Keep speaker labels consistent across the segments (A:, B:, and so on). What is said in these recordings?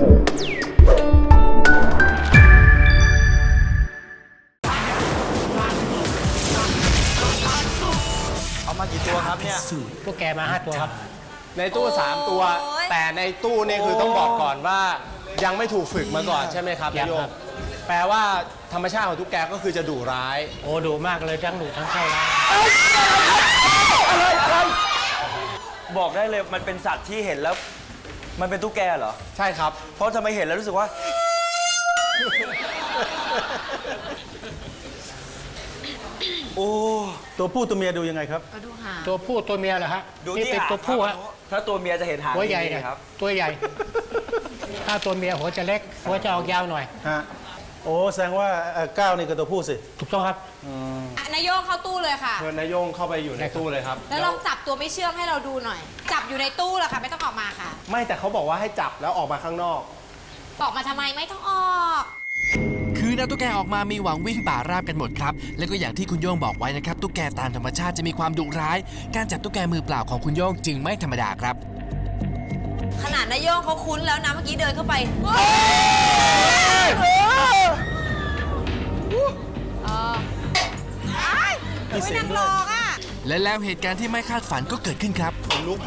A: เอามากี่ตัวครับเนี่ย
B: ตุ๊กแกมา5 ตัวครับ
C: ในตู้3 ตัว แต่ในตู้นี่คือต้องบอกก่อนว่ายังไม่ถูกฝึกมาก่อนใช่ไหมครับ
B: ยั
C: นาง ย
B: ค
C: ง
B: รับ
C: แปลว่าธรรมชาติของตุ๊กแกก็คือจะดุร้าย
B: โอ้ดุมากเลยทั้งดุทั้งเข้าร้าย
A: บอกได้เลยมันเป็นสัตว์ที่เห็นแล้ว มันเป็นตุ๊กแกเหรอ
C: ใช่ครับ
A: เพราะทำไมเห็นแล้วรู้สึกว่า โอ้
D: ตัวผู้ตัวเมียดูยังไงครับ
E: ก็ดูหาง
B: ตัวผู้ตัวเมียเหรอฮะ
A: ดู
B: นี่
A: ที่
B: เป็น
A: หาง
B: ตัวผู้ฮะ
A: ถ้าตัวเมียจะเห็นหาง
B: หัวใหญ่
A: ดี
B: เนี่ย
A: ๆครับ
B: ตัวใหญ่ ถ้าตัวเมียหัวจะเล็ก หัวจะออกยาวหน่อย
D: ฮะ โอ้แสดงว่าก้าวนี่ก็ตัวผู้สิ
B: ถูกต้องครับ
E: นายโยงเข้าตู้เลยค่ะ
C: เชิญนายโยงเข้าไปอยู่ในตู้เลยครับ
E: แล้วลองจับตัวไม่เชื่องให้เราดูหน่อย จับอยู่ในตู้แหละค่ะ ไม่ต้องออกมาค่ะ
C: ไม่แต่เขาบอกว่าให้จับแล้วออกมาข้างนอก
E: ออกมาทำไมไม่ต้องออก
F: คือนักตุ๊กแกออกมามีหวังวิ่งป่าราบกันหมดครับ แล้วก็อย่างที่คุณโย่งบอกไว้นะครับ ตุ๊กแกตามธรรมชาติจะมีความดุร้าย การจับตุ๊กแกมือเปล่าของคุณโย่งจึงไม่ธรรมดาครับ
E: ขนาดนายโยงเขาคุ้นแล้วนะเมื่อกี้เดินเข้าไปไม่นั่งรออ่ะ
F: และแล้วเหตุการณ์ที่ไม่คาดฝันก็เกิดขึ้นครับ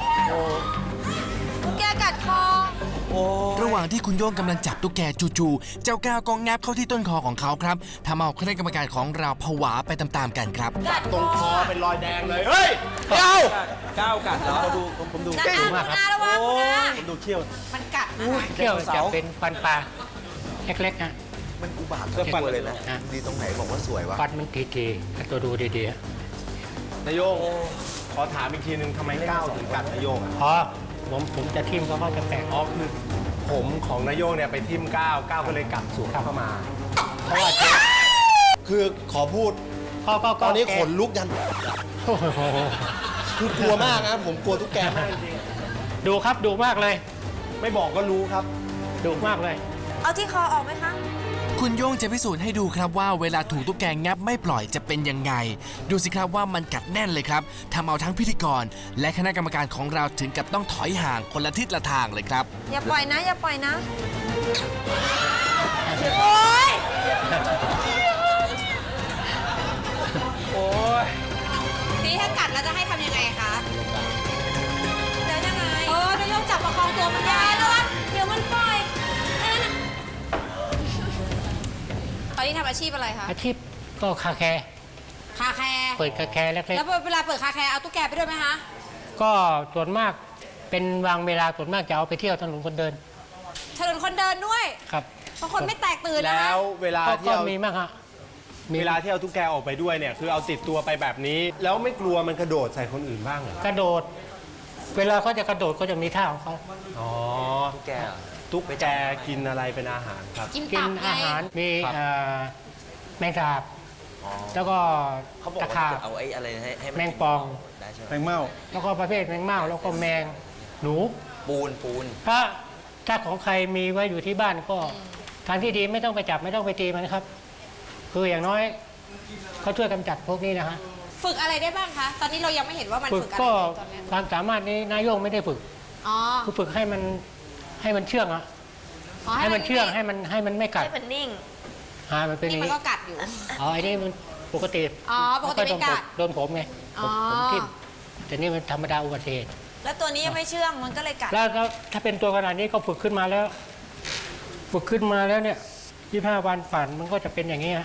E: ตุ๊กแกกัดคอ
A: โอ้
F: ระหว่างที่คุณโย่งกำลังจับตุ๊กแกจู่ๆเจ้าก้าวก็งับเข้าที่ต้นคอของเขาครับทำเอาคณะกรรมการของเราผวาไปตามๆกันครับ
E: กัด
C: ตรงคอเป็นรอยแดงเลย เฮ้ยเดี๋ยว
A: ก้าวกัดเหรอ
D: ผมดู
E: นะคุณอาระวังคุณอา
D: ผมดูเขี้ยว
E: มันกัดนะคะ
B: เขี้ยวจะเป็นฟันปลาเล็กๆฮะ
G: มันอุบาททุกตัวเลยนะ
B: ฮะ
G: ดีตรงไหนบอกว่าสวยวะ
B: ฟันมันทีๆถ้าตัวดูดีๆฮะ
C: นายโยงขอถามอีกทีนึงทำไมก้าวถึงกัดนายโยงอ่ะ
B: พอผมจะทิ่มเขาจะแตก
C: อ๋อคือผมของนายโยงเนี่ยไปทิ่มก้าวก็เลยกัดสูดเข้ามา
B: เพราะว่า
C: คือขอพูด
B: ก็
C: ตอนนี้
B: แก
C: ขนลุกยัน
B: โอ้โห
C: คือกลัวมากนะผมกลัวตุ๊กแกมากจริง
B: ดูครับดูมากเลย
C: ๆไม่บอกก็รู้ครับ
B: ดูมากเลย
E: เอาที่คอออกไหมคะ
F: คุณโย่งจะพิสูจน์ให้ดูครับว่าเวลาถูกตุ๊กแกงับไม่ปล่อยจะเป็นยังไง ดูสิครับว่ามันกัดแน่นเลยครับทำเอาทั้งพิธีกร และคณะกรรมการของเราถึงกับต้องถอยห่างคนละทิศละทางเลยครับ
E: อย่าปล่อยนะ อย่าปล่อยนะ โอ๊ย
A: โอ้ย
E: นี่ถ้ากัดแล้วจะให้ทำยังไงคะเดี๋ยวยังไงนายโยงจับประคองตัวมันได้แล้วเดี๋ยวมันปล่อยนั่นน่ะตอนนี้ทำอาชีพอะไรคะ
B: อาชีพก็คาแคร์
E: คาแคร์
B: เปิดคาแคร์เล็ก
E: แล้วเวลาเปิดคาแคร์เอาตุ๊กแกไปด้วยไหมคะ
B: ๆก็ส่วนมากเป็นบางเวลาส่วนมากจะเอาไปเที่ยวถนนคนเดิน
E: ถนนคนเดินด้วย
B: ครับ
E: บางคนไม่แตกตื่นนะคะ
C: แล้วเวลา
B: ก็
C: ที่เอา
B: มีมากฮะ
C: เวลาที่เอาตุ๊กแกออกไปด้วยเนี่ยคือเอาติดตัวไปแบบนี้ แล้วไม่กลัวมันกระโดดใส่คนอื่นบ้างเหรอก
B: ระโดด เวลาเขาจะกระโดดก็จะมีท่าของเขา
C: อ๋อ
A: ตุ๊กแกเหรอ
C: ตุ๊กแกกินอะไรเป็นอาหารครับ
E: กิน
B: กิ
E: ตั
B: น
E: บไง
B: อาหารมี
C: ครับ
B: แมงสาบแล้วก็
G: เขาบอก
B: ตะ
G: ว่า
B: ขาบ
G: เอาไอ้อะไรให้
B: แมงปอง
G: ได้ใช่ไหม
D: แมงเม่า
B: แล้วก็ประเภทแมงเม่าแล้วก็แมงหนู
G: ปูน
B: ถ้าของใครมีไว้อยู่ที่บ้านก็ทางที่ดีไม่ต้องไปจับไม่ต้องไปตีมันนะครับ คืออย่างน้อยเขาช่วยกำจัดพวกนี้นะฮะ
E: ฝึกอะไรได้บ้างคะ ตอนนี้เรายังไม่เห็นว่ามัน
B: ฝึก
E: ฝึกอะไร
B: ก็
E: ตอนเนี้ย
B: ความสามารถนี้นายโยงไม่ได้ฝึก
E: อ๋อ
B: คือฝึกให้มันเชื่องอะ
E: อ๋อ
B: ให้มันเชื่องให้มันไม่กัด
E: ให้มันนิ่ง
B: มันเป็นอ
E: นี่
B: ย่าง
E: มัน
B: นี้
E: ก็กัดอยู่
B: อ๋อไอ้นี่มันปกติ
E: อ๋อปกติไม่กัด
B: โดนผมไง
E: อ๋อ
B: ผมทิ่มแต่นี่มันธรรมดาอุบัติเหตุ
E: แล้วตัวนี้ยังไม่เชื่องมันก็เลยกัด
B: แล้วถ้าเป็นตัวขนาดนี้ก็ฝึกขึ้นมาแล้ว ฝึกขึ้นมาแล้วเนี่ย25 วันผ่านมันก็จะเป็นอย่างนี้ฮะ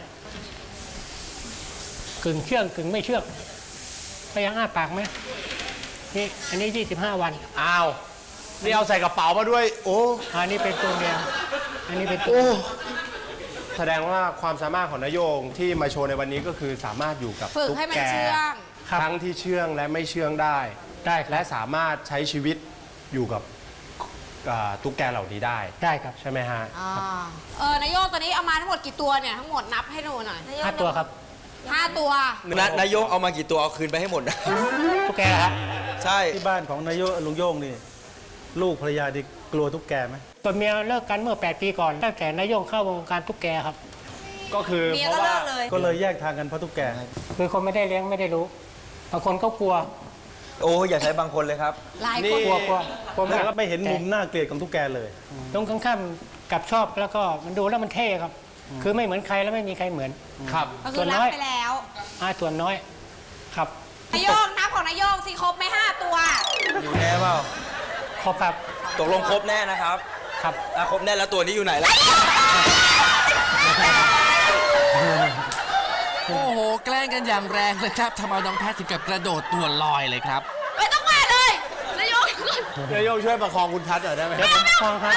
B: กึ่งเชื่องกึ่งไม่เชื่องไปยังอ้าปากไหมนี่อันนี้25 วัน
C: อ้าวนี่เอาใส่กระเป๋ามาด้วย โอ้
B: อันนี้เป็นตัวเมียอันนี้เป็นตัว
C: โอ้แสดงว่าความสามารถของนายโยงที่มาโชว์ในวันนี้ก็คือสามารถอยู่กับ
E: ฝึก
C: ตุ๊ก
E: ให้มัน
C: แก
E: เชื่อง
C: ทั้งที่เชื่องและไม่เชื่องได้
B: ได้ค
C: และ
B: รับ
C: สามารถใช้ชีวิตอยู่กับตุ๊กแกเหล่านี้ได้
B: ได้ครับ
C: ใช่ไหมฮะ
E: นายโยงตัวนี้เอามาทั้งหมดกี่ตัวเนี่ยทั้งหมดนับให้ดูหน่อย
B: 5 ตัวครับ
E: 5 ตัว
A: นายโยงเอามากี่ตัวเอาคืนไปให้หมดนะ
B: ตุ๊กแกฮะ
A: ใช่
D: ที่บ้านของนายโยลุงโย่งนี่ ลูกภรรยาดีกลัวตุ๊กแกไหม
B: ตัวเมียเลิกกันเมื่อ 8 ปีก่อน ตั้งแต่นายโยงเข้าวงการตุ๊กแกครับ
C: ก็คือ
E: เมีย
C: เพ
E: ก็
C: ราะว่า
E: เลิกเลย
D: ก็เลยแยกทางกันเพราะตุ๊กแก
B: คือคนไม่ได้เลี้ยงไม่ได้รู้บางคนก็กลัว
A: โอ้อย่าใช้บางคนเลยครับ
E: หลาย
C: นี่
E: คน
B: กลัว
D: แล้วก็ไม่เห็นมุมน่าเกลียดของตุ๊กแกเลย
B: ตรงข้างๆกับชอบแล้วก็มันดูแล้วมันเท่ครับ คือไม่เหมือนใครแล้วไม่มีใครเหมือน
C: ครับ
E: ก็คือรับไปแล้ว
B: ส่วนน้อยครับ
E: นายโยงนับของนายโยงสิครบไหม5 ตัว
A: อยู่แน่เปล่า
B: ขอบครับ
A: ตกลงครบแน่นะครับ
B: ครับ
A: ครบแน่แล้วตัวนี้อยู่ไหนล่ะ
F: โอ้โห แกล้งกันอย่างแรงเลยครับทำเอาน้องแพทถึงกับกระโดดตัวลอยเลยครับ
E: ไม่ต้องมาเลยนายโยง
C: นายโยงช่วยประคองคุณทัศน์หน่อยได้ไหม
B: เดี๋ยวผมฟังครับ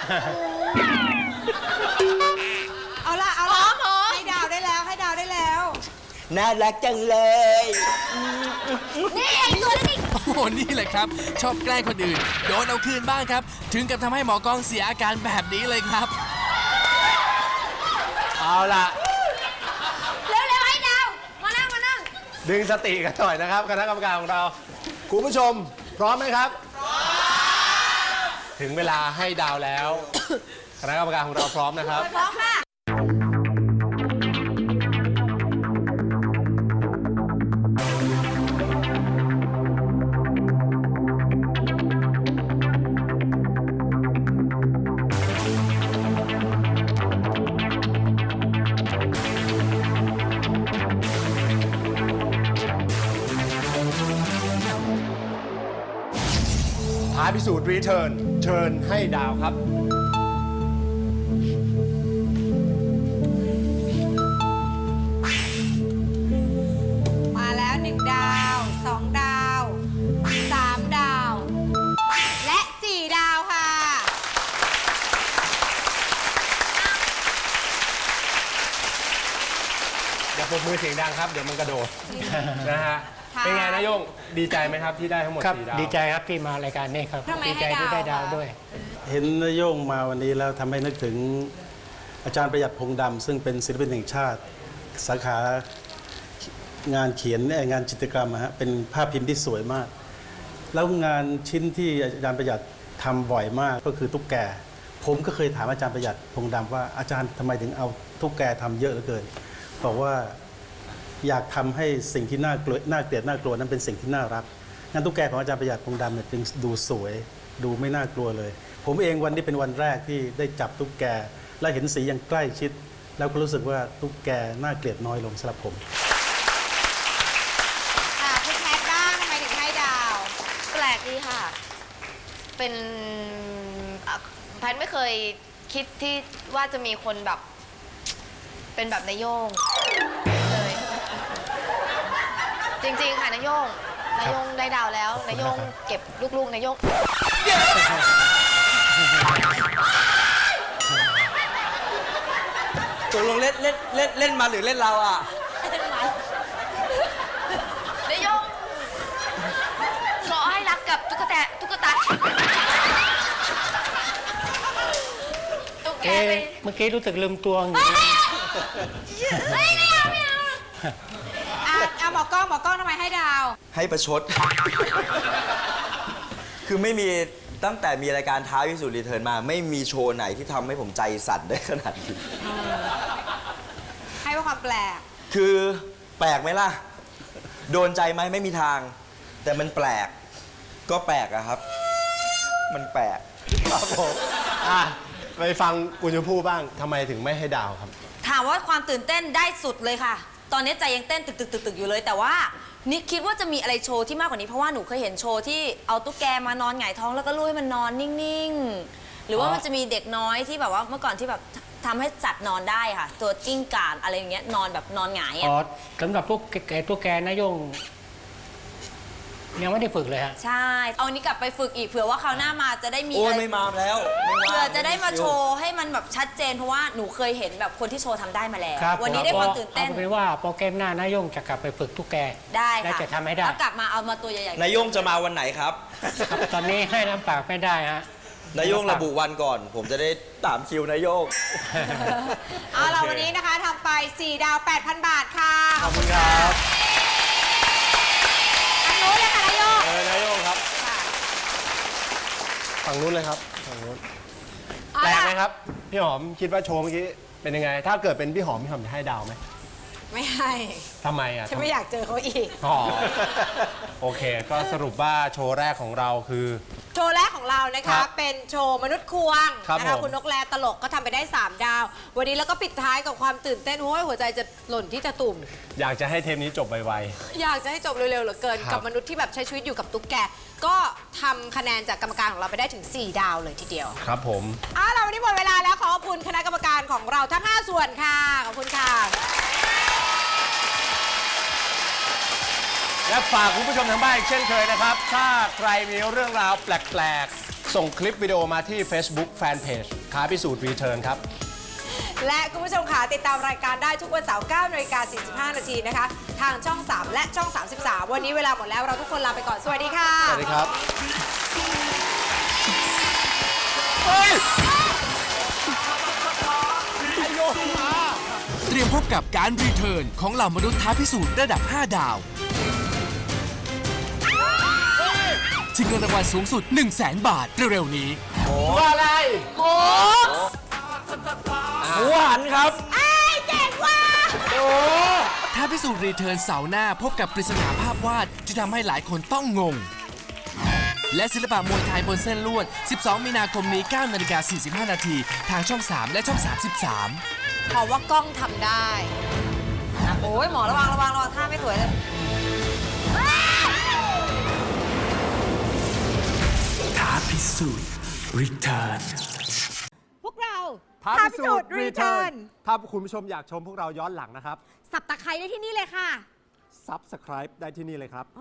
E: เอาละให้ดาวได้แล้วให้ดาวได้แล้ว
A: น่ารักจังเลย
E: นี่ไอ้ตัวนี้
F: โอ้โห นี่แหละครับ ชอบแกล้งคนอื่น โดนเอาคืนบ้างครับ ถึงกับทำให้หมอกล้องเสียอาการแบบนี้เลยครับ
C: เอาล่ะ
E: เร็วๆให้ดาว มานั่ง
C: ดึงสติกันหน่อยนะครับคณะกรรมการของเรา คุณผู้ชมพร้อมไหมครับ ถึงเวลาให้ดาวแล้ว คณะกรรมการของเราพร้อมนะครับ
E: พร้อมค่ะ
C: ท้าพิสูจน์รีเทิร์นเชิญให้ดาวครับ
E: มาแล้ว1 ดาว 2 ดาว 3 ดาว และ 4 ดาวค่ะ
C: อย่าปรบมือเสียงดังครับ เดี๋ยวมันกระโดด นะฮะ
E: ค่ะ
C: เป็นไงนายโยงดีใจไหมครับที่ได้ทั้งหมด
B: ครับ
C: 4 ดาว
B: ดีใจครับที่มารายการนี้ครับ
E: ทำไม
B: ดีใจ
E: ให้ดาว
B: ที่ได้ดาว
E: คะ
B: ด้วย
D: เห็นนายโยงมาวันนี้แล้วทำให้นึกถึงอาจารย์ประหยัดพงษ์ดำซึ่งเป็นศิลปินแห่งชาติ สาขางานเขียนงานจิตรกรรมอะฮะเป็นภาพพิมพ์ที่สวยมาก แล้วงานชิ้นที่อาจารย์ประหยัดทำบ่อยมากก็คือตุ๊กแก ผมก็เคยถามอาจารย์ประหยัดพงษ์ดำว่าอาจารย์ทำไมถึงเอาตุ๊กแกทำเยอะเหลือเกินบอกว่าอยากทำให้สิ่งที่น่ากลัวน่าเกลียดน่ากลัวนั้นเป็นสิ่งที่น่ารักงานตุ๊กแกของอาจารย์ประหยัดพงษ์ดำเนี่ยจึงดูสวยดูไม่น่ากลัวเลย ผมเองวันนี้เป็นวันแรกที่ได้จับตุ๊กแกและเห็นสีอย่างใกล้ชิด แล้วก็รู้สึกว่าตุ๊กแกน่าเกลียดน้อยลงสำหรับผม
E: คุณแพทบ้างทำไมถึงให้ดาว
H: แปลกดีค่ะ เป็นแพทไม่เคยคิดที่ว่าจะมีคนแบบ เป็นแบบนายโยงเลย จริงๆค่ะนายโยงได้ดาวแล้วนายโยงเก็บลูกๆนายโยง
A: ตกลงเล่นมาหรือเล่นเราอ่ะ
H: นายโยงขอให้รักกับตุ๊กตาตุ๊กแก
B: เมื่อกี้รู้สึกลืมตัวอยู่
E: ไม่เอาหมอกล้องทำไมให้ดาว
A: ให้ประชด คือไม่มีตั้งแต่มีรายการท้าพิสูจน์รีเทิร์นมา ไม่มีโชว์ไหนที่ทำให้ผมใจสั่นได้ขนาดนี้
E: ให้เพราะความแปลก
A: คือแปลกไหมล่ะ โดนใจไหมไม่มีทาง แต่มันแปลก ก็แปลกอะครับ มันแปลก
C: ครับผมไปฟังคุณชมพู่บ้างทำไมถึงไม่ให้ดาวครับ
I: ถามว่าความตื่นเต้นได้สุดเลยค่ะ ตอนนี้ใจยังเต้นตึกอยู่เลย แต่ว่านี่คิดว่าจะมีอะไรโชว์ที่มากกว่านี้ เพราะว่าหนูเคยเห็นโชว์ที่เอาตุ๊กแกมานอนหงายท้องแล้วก็ลูกให้มันนอนนิ่งๆ หรือว่ามันจะมีเด็กน้อยที่แบบว่าเมื่อก่อนที่แบบทำให้สัตว์นอนได้ค่ะ ตัวกิ้งก่าอะไรอย่างเงี้ยนอนแบบนอนหงาย
B: อ๋
I: อ่ะ
B: อสำหรับพวกตัวแกนายโยงยังไม่ได้ฝึกเลยฮะ
I: ใช่ เอานี้กลับไปฝึกอีกเผื่อว่าคราวหน้ามาจะได้มี
A: โอ้ย
I: อะไร
A: ไม่มาแล้วไม่ว่าง
I: เผื่อจะได้มาโชว์ให้มันแบบชัดเจนเพราะว่าหนูเคยเห็นแบบคนที่โชว์ทำได้มาแล้ว
B: ครับ
I: วันนี้ได้ความตื่นเต้น
B: เอาเป็นว่าโปรแกรมหน้านายโยงจะกลับไปฝึกตุ๊กแก
I: ได้
B: และ
I: ค่ะ
B: จะทำให้ได้
I: แล้วกลับมาเอามาตัวใหญ่ๆ
A: นายโยงจะมาวันไหนครับ
B: ครับตอนนี้ให้น้ำปากไม่ได้ฮะ
A: นายโยงระบุวันก่อน ผมจะได้ตามคิวนายโยง
E: เอาเราวันนี้นะคะทำไป 4 ดาว 8,000 บาทค่ะ
C: ขอบคุณครับ
E: ทางโน้นเลยค่ะนายโยก
C: นายโยงครับ
E: ค่ะ
C: ฝั่งนู้นเลยครับฝั่งนู้น
E: เอา
C: แปลก
E: ล่ะ
C: ไหมครับ พี่หอมคิดว่าโชว์เมื่อกี้เป็นยังไง ถ้าเกิดเป็นพี่หอมจะให้ดาวไหม
E: ไม่ให้
C: ทำไมอ่ะ
E: ฉันไม่อยากเจอเขาอีก
C: อ๋อโอเค ก็สรุปว่าโชว์แรกของเราคือ
E: โชว์แรกของเรานะ
C: ครั
E: คะ
C: บ
E: เป็นโชว์มนุษย์ควง
C: ครับ
E: นะคะ
C: ผม
E: คุณนกแลตลกก็ทำไปได้ 3 ดาว วันนี้แล้วก็ปิดท้ายกับความตื่นเต้นโอ้ยหัวใจจะหล่นที่ตะตุ่ม
C: อยากจะให้เทปนี้จบไว
E: อยากจะให้จบเร็วๆเหลือเกิน
C: ครับ
E: กับมนุษย์ที่แบบใช้ชีวิตอยู่กับตุ๊กแก ก็ทำคะแนนจากกรรมการของเราไปได้ถึง 4 ดาวเลยทีเดียว
C: ๆ ครับผม
E: เราวันนี้หมดเวลาแล้วขอบคุณคณะกรรมการของเราทั้ง 5 ส่วนค่ะ ขอบคุณค่ะ
C: และฝากคุณผู้ชมทางบ้านอีกเช่นเคยนะครับ ถ้าใครมีเรื่องราวแปลกๆ ส่งคลิปวิดีโอมาที่ Facebook Fanpage ท้าพิสูจน์รีเทิร์นครับ
E: และคุณผู้ชมค่ะติดตามรายการได้ทุกวันเสาร์ 9:45 น.นะคะ ทางช่อง 3 และช่อง 33 วันนี้เวลาหมดแล้วเราทุกคนลาไปก่อน สวัสดีค่ะ
C: สวัสดีครับ
F: เตรียมพบกับการรีเทิร์นของเหล่ามนุษย์ท้าพิสูจน์ระดับ 5 ดาวชิงเงินรางวัลสูงสุด 100,000 บาทเร็วๆนี้
C: ว่าอะไร
A: หมูหันครับ
F: ท้าพิสูจน์รีเทิร์นเสาร์หน้าพบกับปริศนาภาพวาดที่ทำให้หลายคนต้องงง และศิลปะมวยไทยบนเส้นลวด 12 มีนาคมนี้ 9:45 น.ทางช่อง 3 และช่อง 33
E: เพราะว่ากล้องทำได้ โอ้ยหมอระวังท่าไม่สวยเลย
F: ท้าพิสูจน์รีเทิร์น
E: พวกเรา
C: ท้าพิสูจน์รีเทิร์นถ้าคุณผู้ชมอยากชมพวกเราย้อนหลังนะครับ
E: สับตะไคร้ได้ที่นี่เลยค่ะ
C: Subscribe ได้ที่นี่เลยครับ